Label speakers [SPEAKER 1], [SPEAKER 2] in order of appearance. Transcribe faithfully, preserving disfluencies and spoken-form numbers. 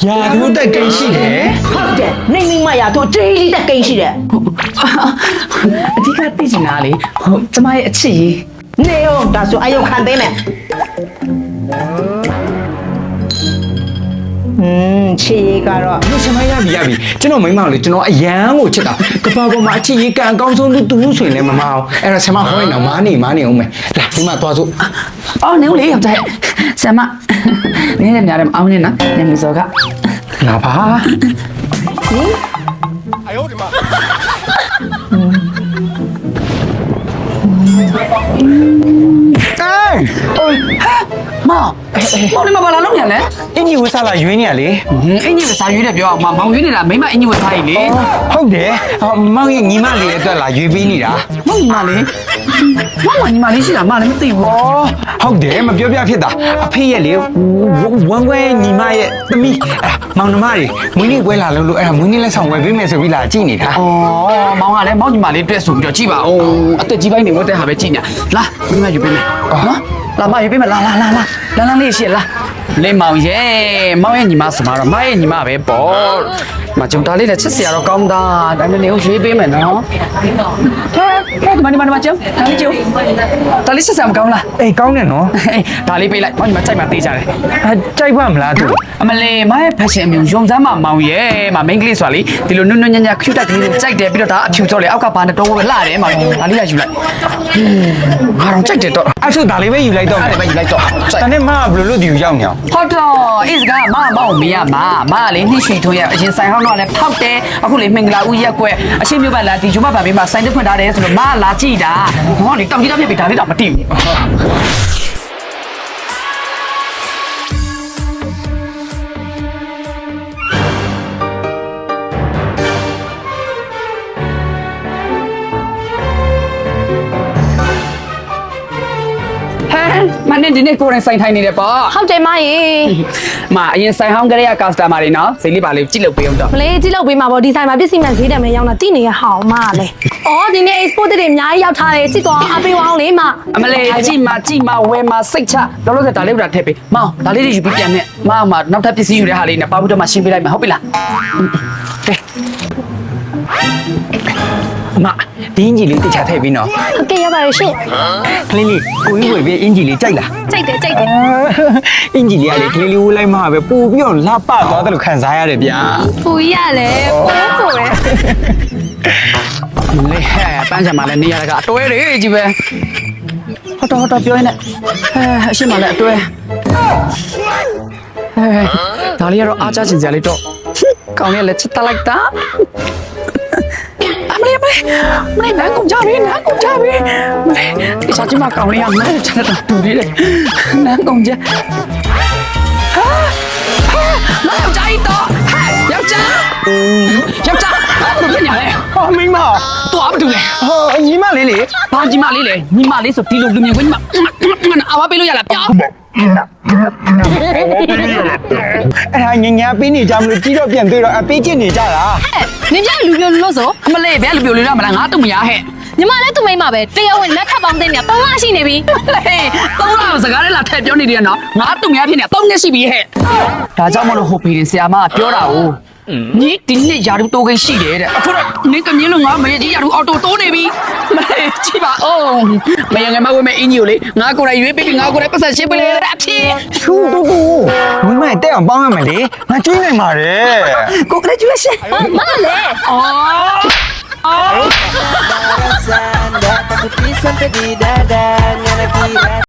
[SPEAKER 1] ရာထူးတက်ကိန်းရှိတယ်
[SPEAKER 2] ဟုတ်တယ်နေမိမရတော့ကြေးကြီးတက်ကိန်းရှိတယ်
[SPEAKER 3] အဓိကသိချင်တာလေဟိုကျမရဲ့အချစ်ကြီး
[SPEAKER 2] နေအောင်ဒါဆိုအယုံခံပေးမယ်อืมချီကတော့
[SPEAKER 1] လို့ရှင်မရပြီရပြီကျွန်တော်မိန်းမလေးကျွန်တော်အရန်ကိုချစ်တာကပောက်ပေါ်မှာအချစ်ကြီးကံအကောင်းဆုံးသူသူဆိုရင်လည်းမမအောင်အဲ့တော့ရှင်မဟောရင်တော့မားနေမားနေအောင်မယ်လာဒီမှာသွားစို့
[SPEAKER 3] အော်နေဦးလေယောက်ျားဆမ်မနင်းနေများတယ်မအောင်နေနော်နေမစောက
[SPEAKER 1] လာပါ
[SPEAKER 3] မောင်မောင်နေမပါလာလို့ညာလဲ
[SPEAKER 1] အင်ကြီးဝစားလာရွေးနေရလေ
[SPEAKER 3] အင်ကြီးကစာရွေးတယ်ပြောအောင်မောင်ရွေးနေတာမိမအင်ကြီးဝစားကြီးလေ
[SPEAKER 1] ဟုတ်တယ်မောင်ရဲ့ညီမလေးအတွက်လာရွေးပေးနေတာ
[SPEAKER 3] မောင်ညီမလေးမောင်ညီမလေးရှိတာမလည်းမသိဘူး
[SPEAKER 1] ဩဟုတ်တယ်မပြောပြဖြစ်တာအဖေရဲ့လေဝမ်းခွဲညီမရဲ့သမီးအဲ့မောင်နှမတွေမွေးနေ့ပွဲလာလို့လို့အဲ့ဒါမွေးနေ့လက်ဆောင်ဝယ်ပေးမယ်ဆိုပြီးလာကြည့်နေတာ
[SPEAKER 3] อ๋อမောင်ကလည်းမောင်ညီမလေးတွေ့ဆိုပြီးတော့ကြည့်ပါဦးအသက်ကြီးပိုင်းနေဝတ်တဲ့ဟာပဲကြည့်နေလာမိမယူပေးမယ်နော်လာမယူပေးမယ်လာလာလာလာလန်းလန်းလေးရှိလားလေမောင်ရဲ့မောင်ရဲ့ညီမဆိုမှာတော့မရဲ့ညီမပဲပေါ့မကြုံတာလေးနဲ့ချစ်စရာတော့ကောင်းတာဒါပေမဲ့နေကိုရွေးပေးမယ်နော်ဟဲ့ဟဲ့ဒီမဒီမဒီမကျုံဒါလေးကျုံဒါလေးချစ်စရာမကောင်းလား
[SPEAKER 1] အေးကောင်းတယ်နော်
[SPEAKER 3] ဒါလေးပေးလိုက်မောင်ညီမကြိုက်မှသေးကြတယ်
[SPEAKER 1] အဲကြိုက်ပါမလားသူ
[SPEAKER 3] အမလေးမရဲ့ fashion အမျိုးရုံစမ်းမမောင်ရဲ့မ main ကလေးဆိုတာလေဒီလိုနွနွညံ့ညံ့ cute တက်ကလေးကိုကြိုက်တယ်ပြီးတော့ဒါအဖြူစောလေအောက်ကဘာနဲ့တော့ပဲလှတယ်မောင်ဒါလေးရယူလိုက်ငါတော့ကြိုက်တယ်တော့
[SPEAKER 1] အဲ့ဆိုဒါလေးပဲယူလိုက်တော့
[SPEAKER 3] အဲ့ဒါပဲယူလိုက်တော့
[SPEAKER 1] တနေ့မှဘယ်လိုလုပ်ဒီကိုရောက်နေအောင်
[SPEAKER 3] ဟုတ်တော့အေးစကားမမောင်မရမမလေးနှိရွှေထုံးရအရင်ဆိုင်ဟောင်းတော့လည်းဖောက်တယ်အခုလေမင်္ဂလာဦးရက်ကွက်အရှိမျိုးပါလာဒီဂျုမဘာဘေးမှာဆိုင်တက်ဖွင့်ထားတယ်ဆိုတော့မလာကြည့်တာဟောလေတောင်ကြီးတောင်ပြပြဒါလေးတော့မသိဘူးမနေ့ဒီနေ့ကိုရင်ဆိုင်ထိုင်နေတယ်ပေါ့
[SPEAKER 4] ဟုတ်တယ်မရေ
[SPEAKER 3] မအရင်ဆိုင်ဟောင်းကလေးက customer တွေနော်ဈေးလေးပါလေးကြည့်လို့ပေးအောင်တော့
[SPEAKER 4] မလေးကြည့်လို့ပေးမှာပေါ့ဒီဆိုင်မှာပစ္စည်းမှန်ဈေးတယ်မယ်ရောက်တာတိနေရဟောင်းမလေ။အော်ဒီနေ့ export တွေအများကြီးရောက်ထားတယ်ကြည့်တော့အပေးဝအောင်လေမ
[SPEAKER 3] အမလေးကြည့်မကြည့်မဝယ်မစိတ်ချလောလောဆယ်ဒါလေးကထည့်ပေးမောင်ဒါလေးတွေယူပြီးပြန်နဲ့မမနောက်ထပ်ပစ္စည်းယူတဲ့ဟာလေးနဲ့ပါဘူးတော့မှရှင်းပေးလိုက်မယ်ဟုတ်ပြီလားကဲ
[SPEAKER 1] မဒီအင်ဂျီလေးတခြားထည့်ပြီးနော်
[SPEAKER 4] ဟုတ်ကဲ့ရပါရဲ့ရှင်
[SPEAKER 1] ကလေးလေးကိုကြီးဝယ်ပြီးအင်ဂျီလေးကြိုက်လား
[SPEAKER 4] ကြိုက်တယ်ကြိုက်တယ်
[SPEAKER 1] အင်ဂျီလေးကလေကလေးလေးဝယ်လိုက်မှပဲပို့ပြီးတော့လှပသွားတယ်လို့ခံစားရတယ်ဗျာ
[SPEAKER 4] ပူရလေပိုးပိုးပဲ
[SPEAKER 3] လေဟဲ့ပန်းချင်မှလည်းနေရတာကအတွဲတွေကြီးပဲဟုတ်တော့ဟုတ်တော့ပြောရင်းနဲ့အဲအရှိမလည်းအတွဲအဲဒါလေးကတော့အားချချင်စရာလေးတော့ကောင်းရလက်ချစ်တလိုက်တာမလေးမလေးမလေးနားကုန်ကြပြီနားကုန်ကြပြီမလေးဒီစားချင်မကောင်းလေးကနားချစ်တာတူသေးတယ်နားကုန်ကြဟာဟာနားယောက်ျားကြီးတော့ဟဲ့ယောက်ျားယောက်ျားဘာလို့ဖြစ်နေလဲ
[SPEAKER 1] ဟောမိမ
[SPEAKER 3] တော့မတူလဲ
[SPEAKER 1] ဟောညီမလေးလေ
[SPEAKER 3] ဘာညီမလေးလဲညီမလေးဆိုဒီလိုလူမြင်ကွင်းညီမအဝါပေးလို့ရလားပြော
[SPEAKER 1] အဲ့ဒါညညာပေးနေကြမလို့ကြီးတော့ပြန်တွေ့တော့အပေးချစ်နေကြတာ
[SPEAKER 4] နင်ပြလူပြလို့ဆို
[SPEAKER 3] အမလေးဘယ်လူပြိုလေးရမလားငါတော့မရဟဲ့
[SPEAKER 4] ညီမလည်းသူ့မိမပဲတရားဝင်လက်ထပ်ပေါင်းတဲ့နေတော့ငါရှိနေပြီ
[SPEAKER 3] ဟေးသုံးလောက်စကားလေးလာထည့်ပြောနေတယ်နော်ငါတော့မရဖြစ်နေသုံးရက်ရှိပြီဟဲ့ဒါကြောင့်မလို့ဟိုဖေးရင်ဆရာမကပြောတာ哦ညီဒီနေ့ယာရုတိုးကိန်းရှိတယ်တဲ့အခုတော့နင်းကမြင်းလို့ငါမရကြီးယာရုအော်တိုတိုးနေပြီမလေးကြည့်ပါအောင်မယငယ်မဝဲမဲ့အင်းကြီးကိုလေငါကိုယ်တိုင်ရွေးပေးပြီးငါကိုယ်တိုင်ပတ်ဆက်ရှင်းပေးလိုက်တဲ့အဖြစ်
[SPEAKER 1] ထူတူတူမိမတက်အောင်ပေါင်းရမယ်လေငါကျွေးနိုင်ပါတယ်
[SPEAKER 3] Congratulations
[SPEAKER 4] မလည်း
[SPEAKER 3] Oh